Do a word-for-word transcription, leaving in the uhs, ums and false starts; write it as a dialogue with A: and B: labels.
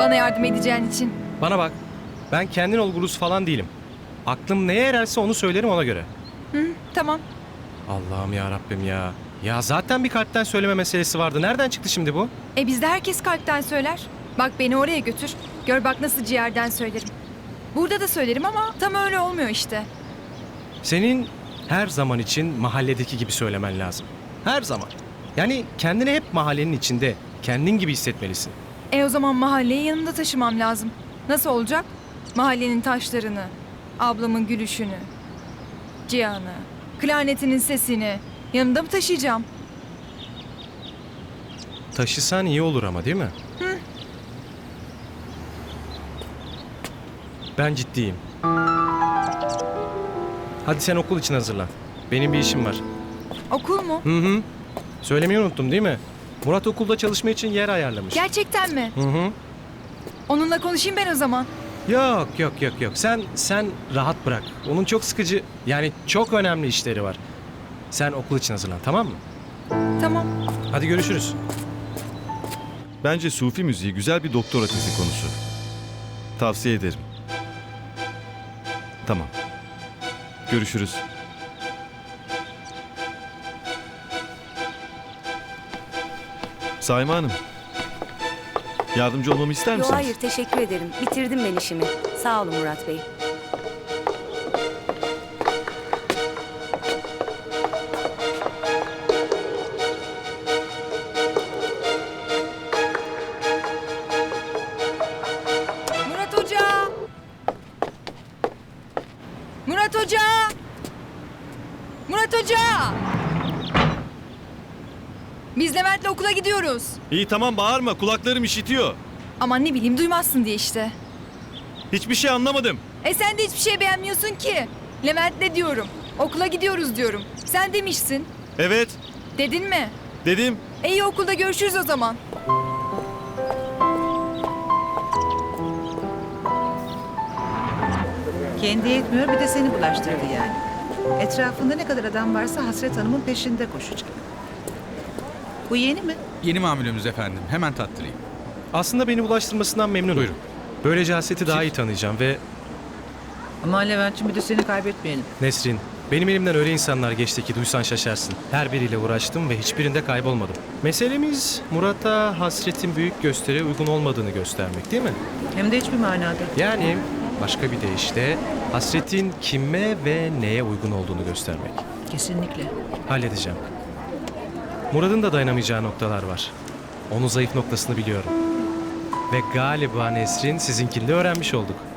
A: bana yardım edeceğin için.
B: Bana bak. Ben kendin ol gurus falan değilim. Aklım neye ererse onu söylerim ona göre.
A: Hı, tamam.
B: Allah'ım ya Rabbim ya. Ya zaten bir kalpten söyleme meselesi vardı. Nereden çıktı şimdi bu?
A: E bizde herkes kalpten söyler. Bak beni oraya götür. Gör bak nasıl ciğerden söylerim. Burada da söylerim ama tam öyle olmuyor işte.
B: Senin her zaman için mahalledeki gibi söylemen lazım. Her zaman. Yani kendini hep mahallenin içinde, kendin gibi hissetmelisin.
A: E o zaman mahalleyi yanımda taşımam lazım. Nasıl olacak? Mahallenin taşlarını, ablamın gülüşünü, Cihan'ı, klarnetinin sesini yanımda mı taşıyacağım?
B: Taşısan iyi olur ama değil mi?
A: Hı.
B: Ben ciddiyim. Hadi sen okul için hazırlan. Benim bir işim var.
A: Okul mu?
B: Hı hı. Söylemeyi unuttum değil mi? Murat okulda çalışma için yer ayarlamış.
A: Gerçekten mi?
B: Hı hı.
A: Onunla konuşayım ben o zaman.
B: Yok yok yok yok. Sen sen rahat bırak. Onun çok sıkıcı, yani çok önemli işleri var. Sen okul için hazırlan, tamam mı?
A: Tamam.
B: Hadi görüşürüz.
C: Bence Sufi müziği güzel bir doktora tezi konusu. Tavsiye ederim. Tamam. Görüşürüz. Saime Hanım. Yardımcı olmamı ister
D: Yo,
C: misiniz?
D: hayır teşekkür ederim. Bitirdim ben işimi. Sağ olun Murat Bey.
A: Murat Hoca! Murat Hoca! Murat Hoca! Biz Levent'le okula gidiyoruz.
C: İyi tamam bağırma, kulaklarım işitiyor.
A: Aman ne bileyim duymazsın diye işte.
C: Hiçbir şey anlamadım.
A: E sen de hiçbir şey beğenmiyorsun ki. Levent'le diyorum. Okula gidiyoruz diyorum. Sen demişsin.
C: Evet,
A: Dedin mi?
C: dedim.
A: E iyi okulda görüşürüz o zaman.
E: Kendi yetmiyor bir de seni bulaştırdı yani. Etrafında ne kadar adam varsa Hasret Hanım'ın peşinde koşacak. Bu yeni mi?
F: Yeni mamulümüz efendim. Hemen tattırayım.
B: Aslında beni bulaştırmasından memnunum.
F: Buyurun.
B: Böylece Hasret'i daha iyi tanıyacağım ve
E: Ama Levent'ciğim bir de seni kaybetmeyelim.
B: Nesrin, benim elimden öyle insanlar geçti ki duysan şaşarsın. Her biriyle uğraştım ve hiçbirinde kaybolmadım. Meselemiz Murat'a Hasret'in büyük gösteriye uygun olmadığını göstermek değil mi?
E: Hem de hiçbir manada.
B: Yani başka bir deyişle Hasret'in kime ve neye uygun olduğunu göstermek.
E: Kesinlikle.
B: Halledeceğim. Murat'ın da dayanamayacağı noktalar var. Onun zayıf noktasını biliyorum. Ve galiba Nesrin sizinkini de öğrenmiş olduk.